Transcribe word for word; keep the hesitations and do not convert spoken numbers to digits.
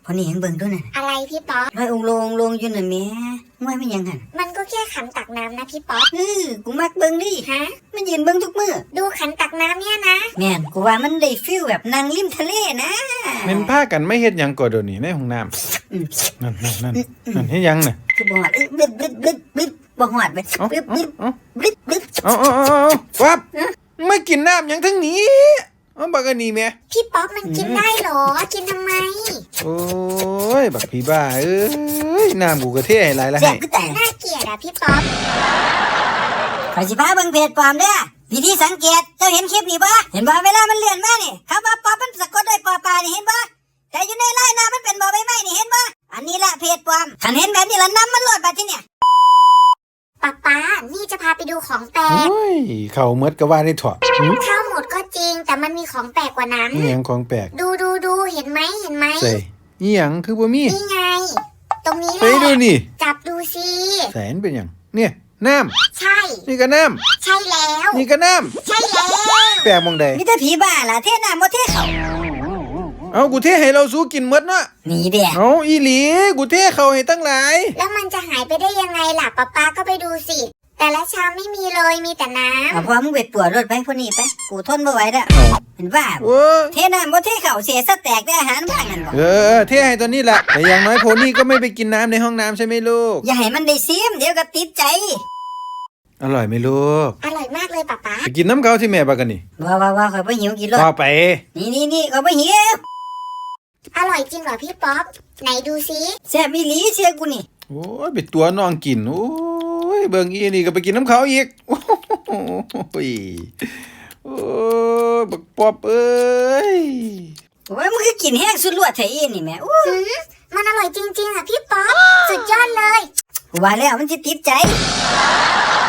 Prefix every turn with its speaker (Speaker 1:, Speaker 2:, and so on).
Speaker 1: พอนี่ยังเบิ่งด้วยน่ะ
Speaker 2: อะไรพี่ป๊อป
Speaker 1: ลอยองลงลงอยู่น่ะแม่ง่วยมันยังหัน
Speaker 2: มันก็แค่ขันตักน้ำนะพี่ป๊อป
Speaker 1: เออกูมักเบิ่งดิ
Speaker 2: ฮะ
Speaker 1: มันยืนเบิ่งทุกมื้อ
Speaker 2: ดูขันตักน้ำเนี่ยนะ
Speaker 1: แม่นกูว่ามันได้ฟีลแบบนั่งริมทะเลนะ
Speaker 3: แม่นพากันไม่เฮ็ดหยังก่อเดี๋ยวนี้ในห้องน้ำนั่นนั่นนั่นนั่นเฮ็ดหยังน่ะ
Speaker 1: คือบ่ฮอดบึบบึบบึบบึบบ่ฮอดไปบึบบึบบึบบึบ
Speaker 3: เอาเอาเอาวับไม่กินน้ำหยังทั้งนี้เอาบักอันนี้แม่
Speaker 2: พี่ป๊อปมันกินได้หรอกินทำไม
Speaker 3: โอ้ยบักพี่บ้าเอ้ยน้ำกูกระเทให้หลายละให้
Speaker 2: น่าเกลียดอ่ะพี่ป๊อป
Speaker 1: ข้อยสิพาเบิ่งเพจปลอมเด้อวิธีสังเกตเจ้าเห็นคลิปนี้บ่เห็นบ่เวลามันเลื่อนมานี่คำว่าป๊อปมันสะกดด้วยปอปลานี่เห็นบ่แต่อยู่ในไลน์น้ำมันเป็นบ่อใบไม้นี่เห็นบ่อันนี้ละเพจปลอมคันเห็นแบบนี้ละน้ำมันโลดบัดทีเนี่ย
Speaker 2: ป๊าป๊านี่จะพาไปดูของแปลก
Speaker 3: โอ้ยเข้าหมดก็ว่าได้ถอด
Speaker 2: เข้าหมดก็จริงแต่มันมีของแปลกกว่านั้น
Speaker 3: นี่หยังของแปลก
Speaker 2: ดูดูดูเห็นไหมเห็นไหม
Speaker 3: ใส่นี่หยังคือบ่มี
Speaker 2: นี่ไงตรงนี้แหละ
Speaker 3: ไปดูนี่
Speaker 2: จับดูสิ
Speaker 3: แสนเป็นหยังเนี่ยน้
Speaker 2: ำใช่
Speaker 3: นี่ก็น้
Speaker 2: ำใช่แล้ว
Speaker 3: นี่ก็น้
Speaker 2: ำใช่แล้ว
Speaker 3: แปลกมองใด
Speaker 1: มีแต่ผีบ้าล่ะเทน้ำบ่เทเขา
Speaker 3: เอากูเทให้เราสู้กินหมดเนาะ
Speaker 1: นี่เด้อ
Speaker 3: เอาอีหลีกูเทเขาให้ตั้งหลาย
Speaker 2: แล้วมันจะหายไปได้ยังไงล่ะป๊าป๊าก็ไปดูสิแต่ละชามไม่มีเลยมีแต่น้ำ
Speaker 1: เอาพอมึงไปปวดรถไปพวกนี้ไปกูทนไม่ไหวแล้วเห็นว่าเทน้ำบ่เทเข่าเสียสแต็กได้อาหารบ้างกันบ่
Speaker 3: เออเทให้ตัวนี้แหละแต่อย่างน้อยโพนี่ก็ไม่ไปกินน้ำในห้องน้ำใช่ไหมลูก
Speaker 1: อย่าให้มันได้ซิมเดี๋ยวก็ติดใจ
Speaker 3: อร่อยไหมลูก
Speaker 2: อร่อยมากเลยป๊าป๊า
Speaker 3: ไปกินน้ำเขาที่แม่ปะกันนี่
Speaker 1: ว้าวว้าวเขาไปหิวกินรถ
Speaker 3: พอไป
Speaker 1: นี่นี่นี่เขาไปหิว
Speaker 2: อร่อยจริงเหรอพี่ป๊อปไหนดูซิ
Speaker 1: แซ่บอีหลีเชื่อกูนี่
Speaker 3: โอ้ยไปตัวน้องกินโอ้ยเบิ่งอีนี่ก็ไปกินน้ำเขาอีกโอ้ยโอ้ยบักปอบเอ้ย
Speaker 1: โอ้ยมึงก็กินแห้งสุดลวดไทยนี่แม่อู้
Speaker 2: มันอร่อยจริงๆอ่ะพี่ป๊อปสุดยอดเลย
Speaker 1: ว่าแล้วมันจะติดใจ